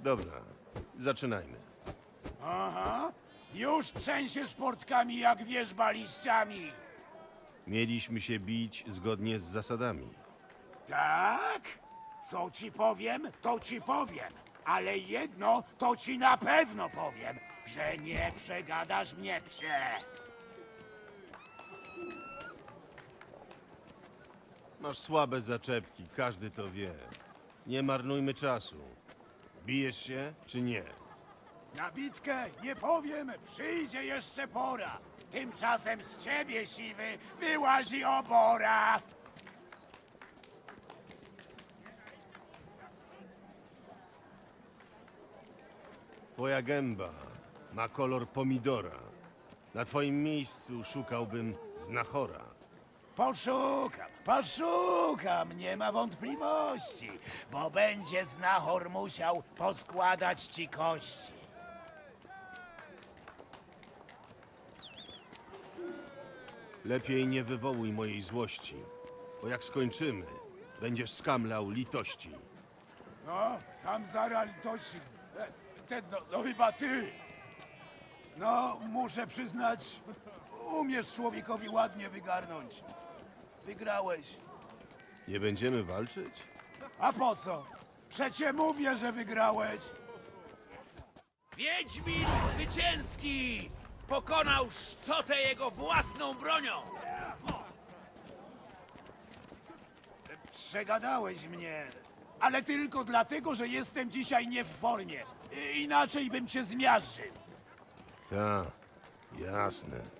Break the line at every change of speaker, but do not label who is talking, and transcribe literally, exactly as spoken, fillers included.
Dobra, zaczynajmy.
Aha, już trzęsiesz portkami jak wierzba liściami.
Mieliśmy się bić zgodnie z zasadami.
Tak? Co ci powiem, to ci powiem. Ale jedno to ci na pewno powiem, że nie przegadasz mnie, psie.
Masz słabe zaczepki, każdy to wie. Nie marnujmy czasu. Bijesz się, czy nie?
Na bitkę nie powiem, przyjdzie jeszcze pora. Tymczasem z ciebie, siwy, wyłazi obora.
Twoja gęba ma kolor pomidora. Na twoim miejscu szukałbym znachora.
Poszukam, poszukam, nie ma wątpliwości, bo będzie znachor musiał poskładać ci kości.
Lepiej nie wywołuj mojej złości, bo jak skończymy, będziesz skamlał litości.
No, tam zara litości. E, Ten, no, no chyba ty. No, muszę przyznać, umiesz człowiekowi ładnie wygarnąć. Wygrałeś.
Nie będziemy walczyć?
A po co? Przecie mówię, że wygrałeś.
Wiedźmin zwycięski! Pokonał szczotę jego własną bronią!
Przegadałeś mnie. Ale tylko dlatego, że jestem dzisiaj nie w formie. I- Inaczej bym cię zmiażdżył.
Ta, jasne.